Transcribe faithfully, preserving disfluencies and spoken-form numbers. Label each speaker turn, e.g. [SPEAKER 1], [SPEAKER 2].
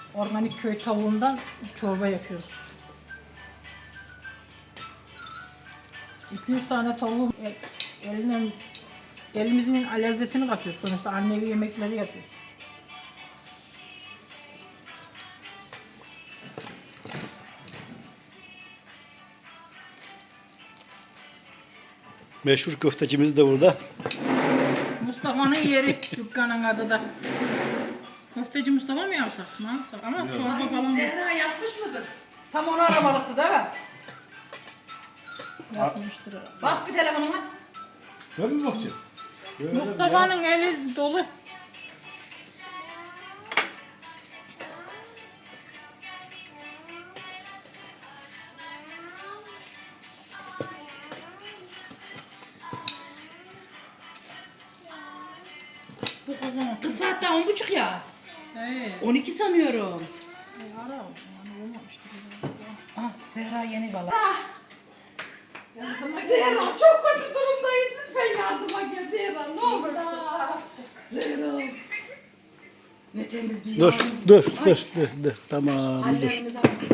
[SPEAKER 1] organik köy tavuğundan çorba yapıyoruz. iki yüz tane tavuğu el, elinden, elimizin lezzetini katıyoruz. Sonuçta annevi yemekleri yapıyoruz.
[SPEAKER 2] Meşhur köftecimiz de burada.
[SPEAKER 1] Mustafa'nın yeri dükkanın adı da. Köfteci Mustafa mı yapsak? Ne yapsak? Ama çorba falan
[SPEAKER 3] Zehra yapmış mıdır? Tam onu aramalıktı değil mi?
[SPEAKER 1] yapmıştır herhalde.
[SPEAKER 3] Bak bir telefonuma.
[SPEAKER 2] Ben mi bakacağım?
[SPEAKER 1] Mustafa'nın eli dolu. Bu kocaman.
[SPEAKER 3] Kız saatte on buçuk ya.
[SPEAKER 1] Hey.
[SPEAKER 3] On iki sanıyorum.
[SPEAKER 1] Ara o zaman olmamıştır.
[SPEAKER 3] Ah Zehra yeni bala. Zehra çok kötü durumdayız. Lütfen yardıma gel Zehra ne olur. Zehra. Ne temizliği.
[SPEAKER 2] Dur, dur, dur, dur, dur. Tamam, dur.
[SPEAKER 3] Hallerimize bak